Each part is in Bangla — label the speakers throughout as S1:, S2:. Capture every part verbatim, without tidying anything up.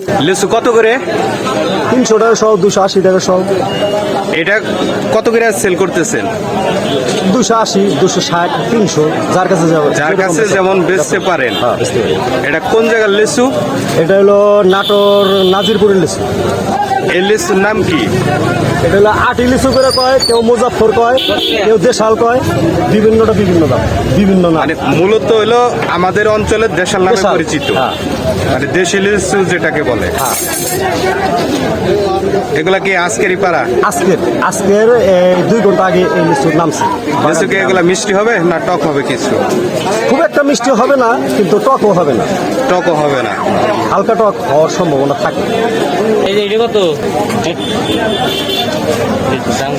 S1: লিচু কত করে?
S2: তিনশো টাকা সহ, দুশো আশি টাকা সহ।
S1: এটা কত করে সেল করতেছেন?
S2: দুশো আশি, দুশো ষাট, তিনশো, যার কাছে যাবে,
S1: যার কাছে যেমন বেচতে পারেন। এটা কোন জায়গার লিচু?
S2: এটা হলো নাটোর নাজিরপুরের লিচু।
S1: এই লিচুর নাম কি?
S2: এটা হলো আটি লিচু করে কয়, কেউ মুজাফর কয়, কেউ দেশাল কয়, বিভিন্নটা বিভিন্ন দাম, বিভিন্ন নাম।
S1: মানে মূলত হলো আমাদের অঞ্চলের দেশাল নামে
S2: দেশাল,
S1: পরিচিত।
S2: হ্যাঁ।
S1: মানে দেশি লিচু যেটাকে বলে।
S2: হ্যাঁ।
S1: এগুলা কি আজকেরই পারা?
S2: আজকের আজকের এই দুই ঘন্টা আগে এই লিচুর নামছে।
S1: লিচু কি এগুলা মিষ্টি হবে না টক হবে? কিছু
S2: খুব একটা মিষ্টি হবে না, কিন্তু টকও হবে না।
S1: টকও হবে না,
S2: হালকা টক হওয়ার সম্ভাবনা থাকে।
S3: এই যে এটা কত? দাম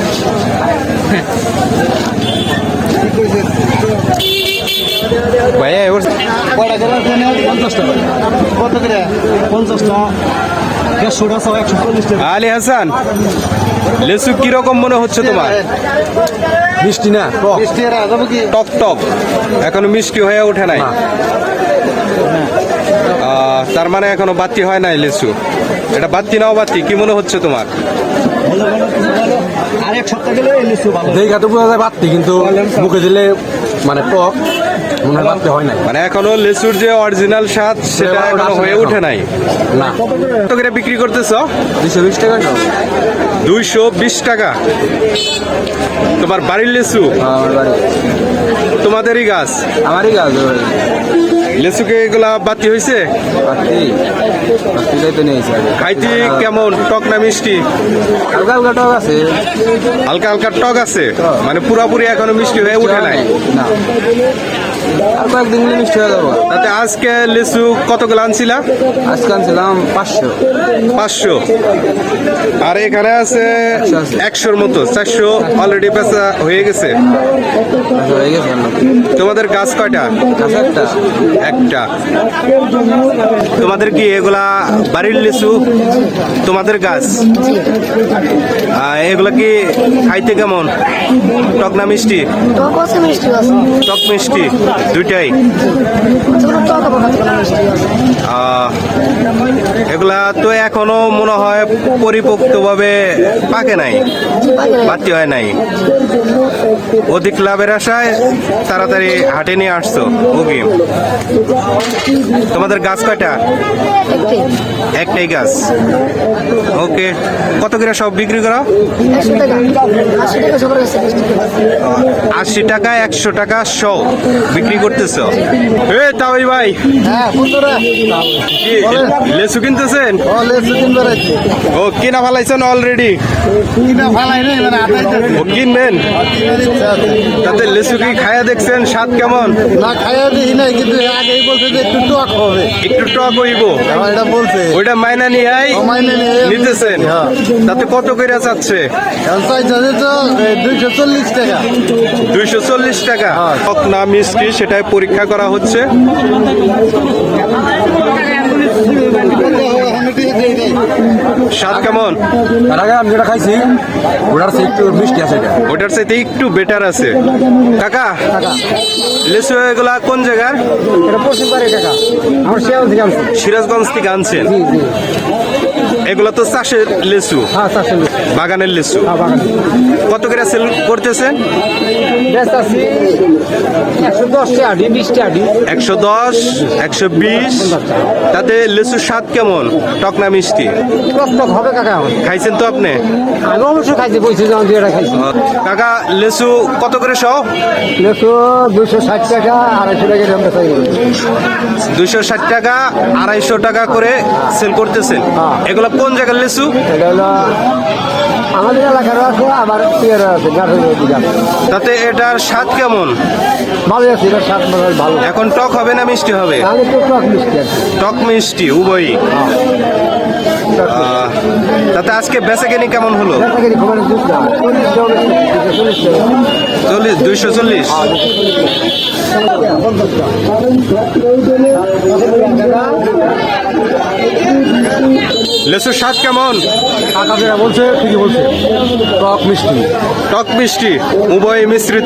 S1: ভাইয়া এবার
S2: পঞ্চাশ টাকা। কত করে? পঞ্চাশ টাকা, দেড়শো টাকা, একশো চল্লিশ টাকা।
S1: আলী হাসান, লিচু কিরকম মনে হচ্ছে তোমার?
S2: মিষ্টি না,
S1: টক টক, এখনো মিষ্টি হয়ে ওঠে নাই। আহ, তার মানে এখনো বাতি হয় নাই লিচু। এটা বাতি নাও বাতি, কি মনে হচ্ছে তোমার?
S2: আর এক সপ্তাহ গেলে এই লিচু ভালো।
S4: দেখে তো বোঝা যায় বাড়তি, কিন্তু মুখে দিলে মানে টক মনে হয় বাড়তে হয় নাই।
S1: মানে এখনো লিচুর যে অরিজিনাল স্বাদ সেটা এখনো হয়ে ওঠে নাই।
S4: না,
S1: কত করে বিক্রি করতেছ?
S4: দুশো বিশ টাকা সব।
S1: দুইশো বিশ টাকা। তোমার বাড়ির লিচু?
S4: আমার বাড়ি,
S1: তোমাদেরই গাছ?
S4: আমারই গাছ।
S1: লিচুকে এগুলা বাতি হয়েছে?
S4: বাড়তি বাড়তি যাইতে নিয়েছে আগে।
S1: খাইতে কেমন, টক না মিষ্টি?
S4: হালকা হালকা টক আছে,
S1: হালকা হালকা টক আছে, মানে পুরাপুরি এখনো মিষ্টি হয়ে ওঠে নাই।
S4: না, আর কয়েকদিন মিলে মিষ্টি হয়ে যাবো।
S1: তাতে আজকে লিচু কতগুলো আনছিলা?
S4: আজকে আনছিলাম পাঁচশো।
S1: পাঁচশো। আর এখানে আছে একশোর মতো, চারশো অলরেডি বেচা হয়ে গেছে।
S4: হয়ে গেছে।
S1: তোমাদের গাছ কয়টা?
S4: গাছ একটা।
S1: একটা। তোমাদের কি এগুলা বাড়ির লিচু? তোমাদের গাছ? আহ, এগুলা কি খাইতে কেমন, টক না মিষ্টি?
S5: টক আছে, মিষ্টি আছে।
S1: টক মিষ্টি দুইটাই।
S5: টক আবার মিষ্টি আছে।
S1: আহ, এগুলা তো এখনো মনে হয় পরিপক্তভাবে পাকে নাই, বাতি হয় নাই। অধিক লাভের আশায় তাড়াতাড়ি হাটে নিয়ে আসছো। ওকে, তোমাদের গাছ কয়টা? একটাই গাছ। ওকে, কত করে সব বিক্রি করো?
S5: একশো টাকা, আশি টাকা সবার কাছে মিষ্টি আছে।
S1: আশি টাকা, একশো টাকা সব বিক্রি করতেছো? এ তাওই ভাই,
S2: হ্যাঁ, বন্ধুরা,
S1: কি লেচু কিনতেছেন?
S2: ও লিচু কিনবে রাখছি।
S1: ও কিনা ফেলাইছেন অলরেডি?
S2: কিনা ফালাই নেই, মানে আটাইতে
S1: ও কিনবেন? তাতে লেচু কি খায়া দেখছেন স্বাদ কেমন?
S2: না খাইয়া দিই নাই, কিন্তু আগেই বলছে যে একটু টক হবে।
S1: একটু টক হইব,
S2: আমার এটা বলছে।
S1: ওইটা মাইনা নিয়ে
S2: ও মাইনে নিয়ে
S1: নিতেছেন?
S2: হ্যাঁ।
S1: তাতে কত করে চাচ্ছে?
S2: এখন চাইছে তো দুইশো চল্লিশ টাকা।
S1: দুইশো চল্লিশ টাকা।
S2: হ্যাঁ।
S1: টক না মিষ্টি সেটাই পরীক্ষা করা হচ্ছে। স্বাদ কেমন?
S4: তার আগে আমি যেটা খাইছি ওটার চেয়ে একটু মিষ্টি আছে। এটা
S1: ওটার চাইতে একটু বেটার আছে। কাকা, লিচু এগুলা কোন জায়গার?
S2: এটা পশ্চিম পাড়ি টাকা, আমার শেয়াল থেকে আনছি।
S1: সিরাজগঞ্জ থেকে আনছেন?
S2: জি জি,
S1: এগুলা তো চাষের লিচু,
S2: হ্যাঁ চারশো লিচু।
S1: বাগানের লিচু।
S2: হ্যাঁ, বাগান
S1: কত করে সেল করতেছেন?
S2: ব্যস্ত আছি একশো দশ টাকা, বিশ টাকা।
S1: একশো দশ, একশো বিশ। তাতে লিচুর স্বাদ কেমন, টক না মিষ্টি?
S2: টক টক হবে কাকা। আমার
S1: খাইছেন তো আপনি?
S2: আমি অবশ্যই খাইছি, বলছি যখন দুই এটা খাইছি।
S1: কাকা, লিচু কত করে সহ?
S2: লিচু দুশো ষাট টাকা, আড়াইশো টাকা দাম বেচা যাবে।
S1: দুইশো ষাট টাকা, আড়াইশো টাকা করে সেল করতেছেন।
S2: হ্যাঁ।
S1: এগুলো কোন জায়গার লিচু?
S2: এটা হলো আমাদের এলাকারও আছে, আবার পিয়ারও আছে, গাছের দিকে আছে।
S1: তাতে এটার স্বাদ কেমন?
S2: ভালো আছে, এটা স্বাদ মনে ভালো।
S1: এখন টক হবে না মিষ্টি হবে?
S2: তাহলে তো টক মিষ্টি আছে।
S1: টক মিষ্টি উভয়ই। আহ, তাতে আজকে বেচাকেনি কেমন হলো?
S2: বেচাকেনি খবর দুধ না, চল্লিশ টাকা, চল্লিশ টাকা।
S1: চল্লিশ, দুইশো চল্লিশ। লেচুর স্বাদ কেমন?
S2: কাকা যেটা বলছে ঠিকই বলছে, টক মিষ্টি।
S1: টক মিষ্টি উভয় মিশ্রিত।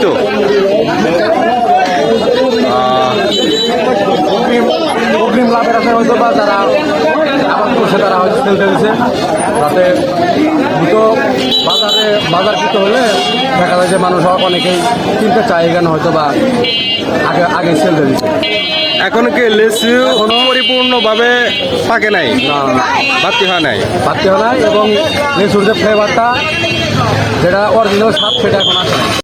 S2: অগ্রিম লাভের আছে হয়তো, বা যারা আবার
S4: তারা হয়তো ফেলতে দিচ্ছে যাতে দুটো বাজারে বাজারকৃত হলে দেখা যায় যে মানুষ অনেকেই কিনতে চায় এখানে হয়তো বা আগে আগে সেল দিয়ে দিচ্ছে।
S1: এখন কি লিচু পরিপূর্ণভাবে পাকে নাই,
S4: না না না
S1: বাড়তি হয় নাই।
S4: পাততে হয় না এবং লিচুর যে ফ্লেভারটা যেটা অরিজিনাল স্বাদ সেটা এখন আসে না।